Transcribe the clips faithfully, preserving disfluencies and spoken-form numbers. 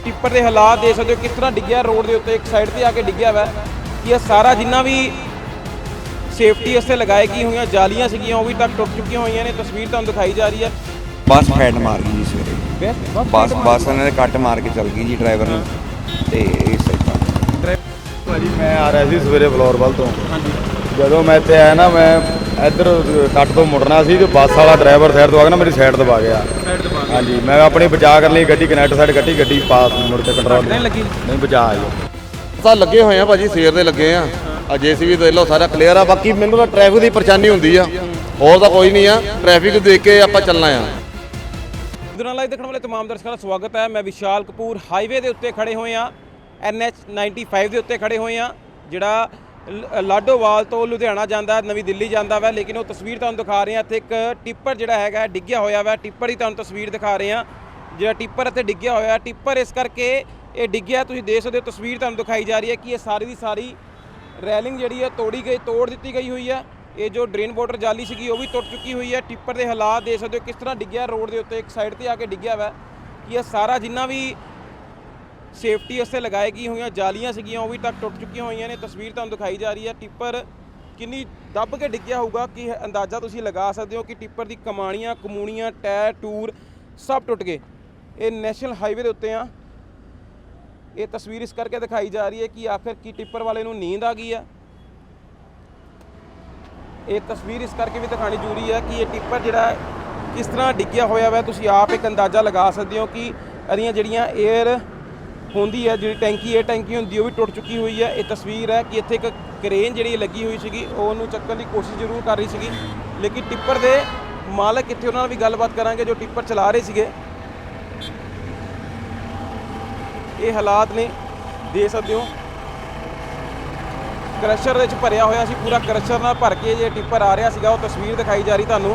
Tipper ਦੇ ਹਾਲਾਤ ਦੇਖ ਸਕਦੇ ਹੋ ਕਿਸ ਤਰ੍ਹਾਂ ਡਿੱਗਿਆ ਰੋਡ ਦੇ ਉੱਤੇ, ਇੱਕ ਸਾਈਡ ਤੇ ਆ ਕੇ ਡਿੱਗਿਆ ਵਾ। ਕਿ ਇਹ ਸਾਰਾ ਜਿੰਨਾ ਵੀ ਸੇਫਟੀ ਵਾਸਤੇ ਲਗਾਏ ਗਈ ਹੋਈਆਂ ਜਾਲੀਆਂ ਸੀਗੀਆਂ ਉਹ ਵੀ ਤੱਕ ਟੁੱਟ ਚੁੱਕੀਆਂ ਹੋਈਆਂ ਨੇ। ਤਸਵੀਰ ਤੁਹਾਨੂੰ ਦਿਖਾਈ ਜਾ ਰਹੀ ਹੈ। ਬੱਸ ਫੈਟ ਮਾਰ ਗਈ ਜੀ ਸਵੇਰੇ। ਬੱਸ ਬੱਸ ਇਹਨਾਂ ਨੇ ਕੱਟ ਮਾਰ ਕੇ ਚੱਲ ਗਈ ਜੀ ਡਰਾਈਵਰ ਨੂੰ ਤੇ ਇਸ ਤਰ੍ਹਾਂ। ਭਾਜੀ ਮੈਂ ਆ ਰਿਹਾ ਸੀ ਸਵੇਰੇ ਫਲੋਰਵਲ ਤੋਂ। ਹਾਂਜੀ। ਜਦੋਂ ਮੈਂ ਇੱਥੇ ਆਇਆ ਨਾ, ਮੈਂ ਇੱਧਰ ਕੱਟ ਤੋਂ ਮੁੜਨਾ ਸੀ ਤੇ ਬੱਸ ਵਾਲਾ ਡਰਾਈਵਰ ਸਾਈਡ ਤੋਂ ਆ ਕੇ ਨਾ ਮੇਰੀ ਸਾਈਡ ਦਬਾ ਗਿਆ। ਸਾਈਡ ਦਬਾ ਗਿਆ। ਹਾਂਜੀ, ਮੈਂ ਆਪਣੀ ਬਚਾ ਕਰਨ ਲਈ ਗੱਡੀ ਕਨੈਕਟ ਸਾਈਡ ਕੱਢੀ, ਗੱਡੀ ਪਾਸ ਮੁੜ ਕੇ ਕੰਟਰੋਲ ਨਹੀਂ ਲੱਗੀ। ਨਹੀਂ ਬਚਾ ਆਈ। ਤਾਂ ਲੱਗੇ ਹੋਏ ਆ ਭਾਜੀ, ਸਵੇਰ ਦੇ ਲੱਗੇ ਆ। ਆ ਜੇਸੀਬੀ ਦੇਖ ਲਓ ਸਾਰਾ ਕਲੀਅਰ ਆ। ਬਾਕੀ ਮੈਨੂੰ ਤਾਂ ਟ੍ਰੈਫਿਕ ਦੀ ਪਰੇਸ਼ਾਨੀ ਹੁੰਦੀ ਆ, ਹੋਰ ਤਾਂ ਕੋਈ ਨਹੀਂ ਆ। ਟ੍ਰੈਫਿਕ ਦੇਖ ਕੇ ਆਪਾਂ ਚੱਲਣਾ ਆ। ਲੁਧਿਆਣਾ ਲਾਈਵ ਦੇਖਣ ਵਾਲੇ ਤਮਾਮ ਦਰਸ਼ਕਾਂ ਦਾ ਸਵਾਗਤ ਹੈ। ਮੈਂ ਵਿਸ਼ਾਲ ਕਪੂਰ ਹਾਈਵੇ ਦੇ ਉੱਤੇ ਖੜੇ ਹੋਏ ਆ, ਐਨ ਐਚ ਪਚਾਨਵੇਂ ਦੇ ਉੱਤੇ ਖੜੇ ਹੋਏ ਆ, ਜਿਹੜਾ ਲਾਡੋਵਾਲ ਤੋਂ ਲੁਧਿਆਣਾ ਜਾਂਦਾ, ਨਵੀਂ ਦਿੱਲੀ ਜਾਂਦਾ ਵਾ। ਲੇਕਿਨ ਉਹ ਤਸਵੀਰ ਤੁਹਾਨੂੰ ਦਿਖਾ ਰਹੇ ਆ, ਇੱਥੇ ਇੱਕ ਟਿੱਪਰ ਜਿਹੜਾ ਹੈਗਾ ਡਿੱਗਿਆ ਹੋਇਆ ਵਾ। ਟਿੱਪਰ ਹੀ ਤੁਹਾਨੂੰ ਤਸਵੀਰ ਦਿਖਾ ਰਹੇ ਆ, ਜਿਹੜਾ ਟਿੱਪਰ ਇੱਥੇ ਡਿੱਗਿਆ ਹੋਇਆ। ਟਿੱਪਰ ਇਸ ਕਰਕੇ ਇਹ ਡਿੱਗਿਆ, ਤੁਸੀਂ ਦੇਖ ਸਕਦੇ ਹੋ ਤਸਵੀਰ ਤੁਹਾਨੂੰ ਦਿਖਾਈ ਜਾ ਰਹੀ ਹੈ ਕਿ ਇਹ ਸਾਰੀ ਦੀ ਸਾਰੀ ਰੈਲਿੰਗ ਜਿਹੜੀ ਹੈ ਤੋੜੀ ਗਈ, ਤੋੜ ਦਿੱਤੀ ਗਈ ਹੋਈ ਹੈ। ਇਹ ਜੋ ਡਰੇਨ ਵਾਟਰ ਜਾਲੀ ਸੀਗੀ ਉਹ ਵੀ ਟੁੱਟ ਚੁੱਕੀ ਹੋਈ ਹੈ। ਟਿੱਪਰ ਦੇ ਹਾਲਾਤ ਦੇਖ ਸਕਦੇ ਹੋ ਕਿਸ ਤਰ੍ਹਾਂ ਡਿੱਗਿਆ ਰੋਡ ਦੇ ਉੱਤੇ, ਇੱਕ ਸਾਈਡ ਤੇ ਆ ਕੇ ਡਿੱਗਿਆ ਵਾ। ਕਿ ਇਹ ਸਾਰਾ ਜਿੰਨਾ ਵੀ ਸੇਫਟੀ ਵਾਸਤੇ ਲਗਾਏ ਗਈ ਹੋਈਆਂ ਜਾਲੀਆਂ ਸੀਗੀਆਂ ਉਹ ਵੀ ਤੱਕ ਟੁੱਟ ਚੁੱਕੀਆਂ ਹੋਈਆਂ ਨੇ। ਤਸਵੀਰ ਤੁਹਾਨੂੰ ਦਿਖਾਈ ਜਾ ਰਹੀ ਹੈ। ਟਿੱਪਰ ਕਿੰਨੀ ਦੱਬ ਕੇ ਡਿੱਗਿਆ ਹੋਊਗਾ ਕਿ ਅੰਦਾਜ਼ਾ ਤੁਸੀਂ ਲਗਾ ਸਕਦੇ ਹੋ ਕਿ ਟਿੱਪਰ ਦੀ ਕਮਾਣੀਆਂ, ਕਮੂਣੀਆਂ, ਟਾਇਰ ਟੂਰ ਸਭ ਟੁੱਟ ਗਏ। ਇਹ ਨੈਸ਼ਨਲ ਹਾਈਵੇ ਦੇ ਉੱਤੇ ਆ। ਇਹ ਤਸਵੀਰ ਇਸ ਕਰਕੇ ਦਿਖਾਈ ਜਾ ਰਹੀ ਹੈ ਕਿ ਆਖਿਰ ਕੀ ਟਿੱਪਰ ਵਾਲੇ ਨੂੰ ਨੀਂਦ ਆ ਗਈ ਆ। ਇਹ ਤਸਵੀਰ ਇਸ ਕਰਕੇ ਵੀ ਦਿਖਾਣੀ ਜ਼ਰੂਰੀ ਹੈ ਕਿ ਇਹ ਟਿੱਪਰ ਜਿਹੜਾ ਕਿਸ ਤਰ੍ਹਾਂ ਡਿੱਗਿਆ ਹੋਇਆ ਵਾ। ਤੁਸੀਂ ਆਪ ਇੱਕ ਅੰਦਾਜ਼ਾ ਲਗਾ ਸਕਦੇ ਹੋ ਕਿ ਇਹਦੀਆਂ ਜਿਹੜੀਆਂ ਏਅਰ ਹੁੰਦੀ ਹੈ, ਜਿਹੜੀ ਟੈਂਕੀ ਏਅਰ ਟੈਂਕੀ ਹੁੰਦੀ ਉਹ ਵੀ ਟੁੱਟ ਚੁੱਕੀ ਹੋਈ ਹੈ। ਇਹ ਤਸਵੀਰ ਹੈ ਕਿ ਇੱਥੇ ਇੱਕ ਕਰੇਨ ਜਿਹੜੀ ਲੱਗੀ ਹੋਈ ਸੀਗੀ ਉਹ ਉਹਨੂੰ ਚੱਕਣ ਦੀ ਕੋਸ਼ਿਸ਼ ਜ਼ਰੂਰ ਕਰ ਰਹੀ ਸੀਗੀ, ਲੇਕਿਨ ਟਿੱਪਰ ਦੇ ਮਾਲਕ ਇੱਥੇ ਉਹਨਾਂ ਨਾਲ ਵੀ ਗੱਲਬਾਤ ਕਰਾਂਗੇ ਜੋ ਟਿੱਪਰ ਚਲਾ ਰਹੇ ਸੀਗੇ। ਇਹ ਹਾਲਾਤ ਨੇ, ਦੇਖ ਸਕਦੇ ਹੋ ਕ੍ਰਸ਼ਰ ਵਿੱਚ ਭਰਿਆ ਹੋਇਆ ਸੀ, ਪੂਰਾ ਕ੍ਰਸ਼ਰ ਨਾਲ ਭਰ ਕੇ ਜੇ ਟਿੱਪਰ ਆ ਰਿਹਾ ਸੀਗਾ। ਉਹ ਤਸਵੀਰ ਦਿਖਾਈ ਜਾ ਰਹੀ ਤੁਹਾਨੂੰ।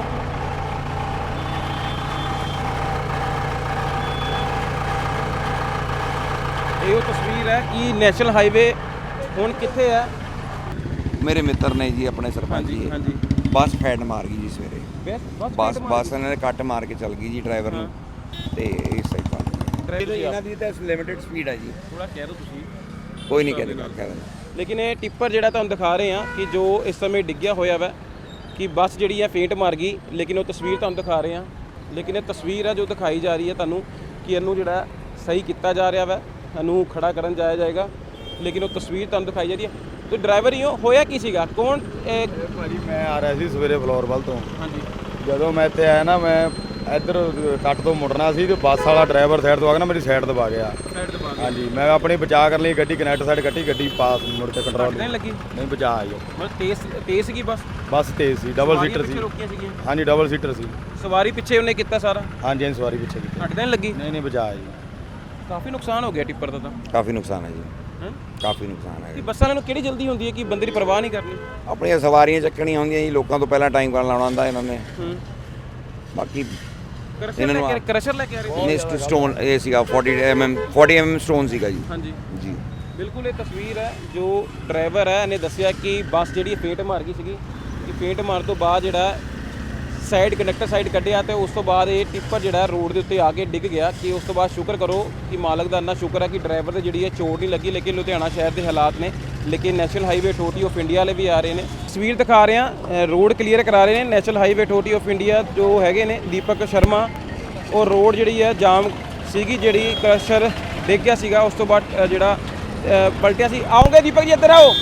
ਇਹ ਉਹ ਤਸਵੀਰ ਹੈ ਕਿ ਨੈਸ਼ਨਲ ਹਾਈਵੇ ਹੁਣ ਕਿੱਥੇ ਹੈ। ਮੇਰੇ ਮਿੱਤਰ ਨੇ ਜੀ, ਆਪਣੇ ਸਰਪੰਚ ਜੀ। ਹਾਂਜੀ। ਬੱਸ ਫੈਟ ਮਾਰ ਗਈ ਜੀ ਸਵੇਰੇ। ਬੱਸ ਬੱਸ ਇਹਨਾਂ ਨੇ ਕੱਟ ਮਾਰ ਕੇ ਚੱਲ ਗਈ ਜੀ ਡਰਾਈਵਰ ਨੂੰ ਤੇ ਇਸ ਤਰ੍ਹਾਂ। ਇਹਨਾਂ ਦੀ ਤਾਂ ਲਿਮਿਟਡ ਸਪੀਡ ਹੈ ਜੀ। ਥੋੜਾ ਕਹਿ ਦਿਓ ਤੁਸੀਂ। ਕੋਈ ਨਹੀਂ ਕਹਿ ਦੇਗਾ ਕਹਿ ਦੇਣਾ। ਲੇਕਿਨ ਇਹ ਟਿੱਪਰ ਜਿਹੜਾ ਤੁਹਾਨੂੰ ਦਿਖਾ ਰਹੇ ਆ ਕਿ ਜੋ ਇਸ ਸਮੇਂ ਡਿੱਗਿਆ ਹੋਇਆ ਵਾ, ਕਿ ਬੱਸ ਜਿਹੜੀ ਹੈ ਫੇਂਟ ਮਾਰ ਗਈ। ਲੇਕਿਨ ਉਹ ਤਸਵੀਰ ਤੁਹਾਨੂੰ ਦਿਖਾ ਰਹੇ ਆ, ਲੇਕਿਨ ਇਹ ਤਸਵੀਰ ਹੈ ਜੋ ਦਿਖਾਈ ਜਾ ਰਹੀ ਹੈ ਤੁਹਾਨੂੰ ਕਿ ਇਹਨੂੰ ਜਿਹੜਾ ਸਹੀ ਕੀਤਾ ਜਾ ਰਿਹਾ ਵਾ, ਇਹਨੂੰ ਖੜਾ ਕਰਨ ਜਾਇਆ ਜਾਏਗਾ। ਲੇਕਿਨ ਉਹ ਤਸਵੀਰ ਤੁਹਾਨੂੰ ਦਿਖਾਈ ਜਾ ਰਹੀ ਹੈ। ਤੁਸੀਂ ਡਰਾਈਵਰ ਹੀ ਹੋ, ਹੋਇਆ ਕੀ ਸੀਗਾ? ਕੌਣ? ਭਾਜੀ ਮੈਂ ਆ ਰਿਹਾ ਸੀ ਸਵੇਰੇ ਫਲੋਰਵਲ ਤੋਂ। ਹਾਂਜੀ। ਜਦੋਂ ਮੈਂ ਇੱਥੇ ਆਇਆ ਨਾ, ਮੈਂ ਇੱਧਰ ਕੱਟ ਤੋਂ ਮੁੜਨਾ ਸੀ ਤੇ ਬੱਸ ਵਾਲਾ ਡਰਾਈਵਰ ਸਾਈਡ ਤੋਂ ਆ ਕੇ ਨਾ ਮੇਰੀ ਸਾਈਡ ਦਬਾ ਗਿਆ। ਸਾਈਡ ਦਬਾ ਗਿਆ। ਹਾਂਜੀ, ਮੈਂ ਆਪਣੀ ਬਚਾ ਕਰਨ ਲਈ ਗੱਡੀ ਕਨੈਕਟ ਸਾਈਡ ਕੱਢੀ, ਗੱਡੀ ਪਾਸ ਮੁੜ ਕੇ ਕੰਟਰੋਲ ਨਹੀਂ ਲੱਗੀ। ਨਹੀਂ ਬਚਾ ਆਈ। ਮਤਲਬ ਤੇਜ਼ ਤੇਜ਼ ਸੀਗੀ ਬੱਸ? ਬੱਸ ਤੇਜ਼ ਸੀ, ਡਬਲ ਸੀਟਰ ਸੀ। ਰੋਕੀਆਂ ਸੀਗੀਆਂ? ਹਾਂਜੀ, ਡਬਲ ਸੀਟਰ ਸੀ। ਸਵਾਰੀ ਪਿੱਛੇ ਉਹਨੇ ਕੀਤਾ ਸਾਰਾ? ਹਾਂਜੀ ਹਾਂਜੀ, ਸਵਾਰੀ ਪਿੱਛੇ ਕੀਤੀ। ਅੱਡ ਨਹੀਂ ਲੱਗੀ? ਨਹੀਂ ਨਹੀਂ ਬਚਾ ਆਈ। ਕਾਫੀ ਨੁਕਸਾਨ ਹੋ ਗਿਆ ਟਿੱਪਰ ਦਾ ਤਾਂ। ਕਾਫੀ ਨੁਕਸਾਨ ਹੈ ਜੀ, ਹਾਂ ਕਾਫੀ ਨੁਕਸਾਨ ਹੈ। ਕਿ ਬੱਸਾਂ ਵਾਲਿਆਂ ਨੂੰ ਕਿਹੜੀ ਜਲਦੀ ਹੁੰਦੀ ਹੈ ਕਿ ਬੰਦੇ ਦੀ ਪਰਵਾਹ ਨਹੀਂ ਕਰਨੀ? ਆਪਣੀਆਂ ਸਵਾਰੀਆਂ ਚੱਕਣੀਆਂ ਹੁੰਦੀਆਂ ਜੀ, ਲੋਕਾਂ ਤੋਂ ਪਹਿਲਾਂ ਟਾਈਮ ਕਰਨ ਲਾਉਣਾ ਹੁੰਦਾ ਇਹਨਾਂ ਨੇ। ਹੂੰ। ਬਾਕੀ ਕ੍ਰਸ਼ਰ ਇਹਨਾਂ ਲੈ ਨੂੰ ਕੇ ਕ੍ਰਸ਼ਰ ਲੈ ਕੇ ਆ ਰਹੇ ਨੇ ਸਟੋਨ ਇਹ ਸੀਗਾ ਚਾਲੀ ਐਮ ਐਮ ਚਾਲੀ ਐਮ ਐਮ ਸਟੋਨ ਸੀਗਾ ਜੀ। ਹਾਂਜੀ ਜੀ ਬਿਲਕੁਲ। ਇਹ ਤਸਵੀਰ ਹੈ ਜੋ ਡਰਾਈਵਰ ਹੈ ਇਹਨੇ ਦੱਸਿਆ ਕਿ ਬੱਸ ਜਿਹੜੀ ਫੇਟ ਮਾਰ ਗਈ ਸੀਗੀ, ਕਿ ਫੇਟ ਮਾਰਨ ਤੋਂ ਬਾਅਦ ਜਿਹੜਾ ਸਾਈਡ ਕੰਡਕਟਰ ਸਾਈਡ ਕੱਢਿਆ ਤੇ ਉਸ ਤੋਂ ਬਾਅਦ ਇਹ ਟਿੱਪਰ ਜਿਹੜਾ ਰੋਡ ਦੇ ਉੱਤੇ ਆ ਕੇ ਡਿੱਗ ਗਿਆ। ਕਿ ਉਸ ਤੋਂ ਬਾਅਦ ਸ਼ੁਕਰ ਕਰੋ ਕਿ ਮਾਲਕ ਦਾ ਇੰਨਾ ਸ਼ੁਕਰ ਹੈ ਕਿ ਡਰਾਈਵਰ ਦੇ ਜਿਹੜੀ ਹੈ ਚੋਟ ਨਹੀਂ ਲੱਗੀ। ਲੇਕਿਨ ਲੁਧਿਆਣਾ ਸ਼ਹਿਰ ਦੇ ਹਾਲਾਤ ਨੇ, ਲੇਕਿਨ National Highway Authority of India ਵਾਲੇ ਵੀ ਆ ਰਹੇ ਨੇ। ਤਸਵੀਰ ਦਿਖਾ ਰਹੇ ਆ, ਰੋਡ ਕਲੀਅਰ ਕਰਾ ਰਹੇ ਨੇ National Highway Authority of India ਜੋ ਹੈਗੇ ਨੇ ਦੀਪਕ ਸ਼ਰਮਾ। ਉਹ ਰੋਡ ਜਿਹੜੀ ਹੈ ਜਾਮ ਸੀਗੀ, ਜਿਹੜੀ ਕ੍ਰਸ਼ਰ ਡਿੱਗ ਗਿਆ ਸੀਗਾ, ਉਸ ਤੋਂ ਬਾਅਦ ਜਿਹੜਾ ਪਲਟਿਆ ਸੀ। ਆਓਗੇ ਦੀਪਕ ਜੀ, ਇੱਧਰ ਆਓ।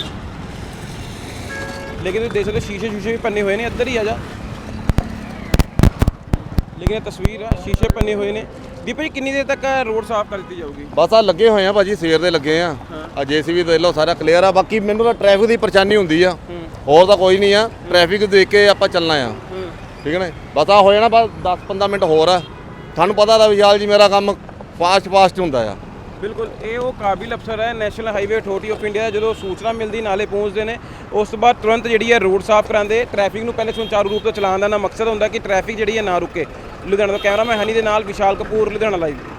ਲੇਕਿਨ ਤੁਸੀਂ ਦੇਖ ਸਕਦੇ ਸ਼ੀਸ਼ੇ ਸ਼ੀਸ਼ੇ ਵੀ ਪੰਨੇ ਹੋਏ ਨੇ, ਇੱਧਰ ਹੀ ਆ ਜਾ। ਲੇਕਿਨ ਇਹ ਤਸਵੀਰ ਆ, ਸ਼ੀਸ਼ੇ ਪੰਨੇ ਹੋਏ ਨੇ। ਦੀਪਕ ਜੀ ਕਿੰਨੀ ਦੇਰ ਤੱਕ ਰੋਡ ਸਾਫ਼ ਕਰ ਦਿੱਤੀ ਜਾਊਗੀ? ਬਸ ਆ ਲੱਗੇ ਹੋਏ ਆ ਭਾਜੀ, ਸਵੇਰ ਦੇ ਲੱਗੇ ਆ। ਆ ਜੇਸੀਬੀ ਦੇਖ ਲਓ ਸਾਰਾ ਕਲੀਅਰ ਆ। ਬਾਕੀ ਮੈਨੂੰ ਤਾਂ ਟ੍ਰੈਫਿਕ ਦੀ ਪਰੇਸ਼ਾਨੀ ਹੁੰਦੀ ਆ, ਹੋਰ ਤਾਂ ਕੋਈ ਨਹੀਂ ਆ। ਟ੍ਰੈਫਿਕ ਦੇਖ ਕੇ ਆਪਾਂ ਚੱਲਣਾ ਆ, ਠੀਕ ਹੈ ਨਾ। ਬਸ ਆ ਹੋ ਜਾਣਾ, ਬਸ ਦਸ ਪੰਦਰਾਂ ਮਿੰਟ ਹੋਰ ਆ। ਤੁਹਾਨੂੰ ਪਤਾ ਤਾਂ ਵਿਸ਼ਾਲ ਜੀ ਮੇਰਾ ਕੰਮ ਫਾਸਟ ਫਾਸਟ ਹੁੰਦਾ ਆ। ਬਿਲਕੁਲ। ਇਹ ਉਹ ਕਾਬਿਲ ਅਫਸਰ ਹੈ National Highway Authority of India, ਜਦੋਂ ਸੂਚਨਾ ਮਿਲਦੀ ਨਾਲੇ ਪਹੁੰਚਦੇ ਨੇ, ਉਸ ਤੋਂ ਬਾਅਦ ਤੁਰੰਤ ਜਿਹੜੀ ਹੈ ਰੋਡ ਸਾਫ਼ ਕਰਾਉਂਦੇ। ਟ੍ਰੈਫਿਕ ਨੂੰ ਪਹਿਲੇ ਸੁਚਾਰੂ ਰੂਪ ਤੋਂ ਚਲਾਉਣ ਦਾ ਨਾ ਮਕਸਦ ਹੁੰਦਾ ਕਿ ਟ੍ਰੈਫਿਕ ਜਿਹੜੀ ਹੈ ਨਾ ਰੁਕੇ। ਲੁਧਿਆਣਾ ਤੋਂ ਕੈਮਰਾਮੈਨ ਹਨੀ ਦੇ ਨਾਲ ਵਿਸ਼ਾਲ ਕਪੂਰ, ਲੁਧਿਆਣਾ ਲਾਈਵ।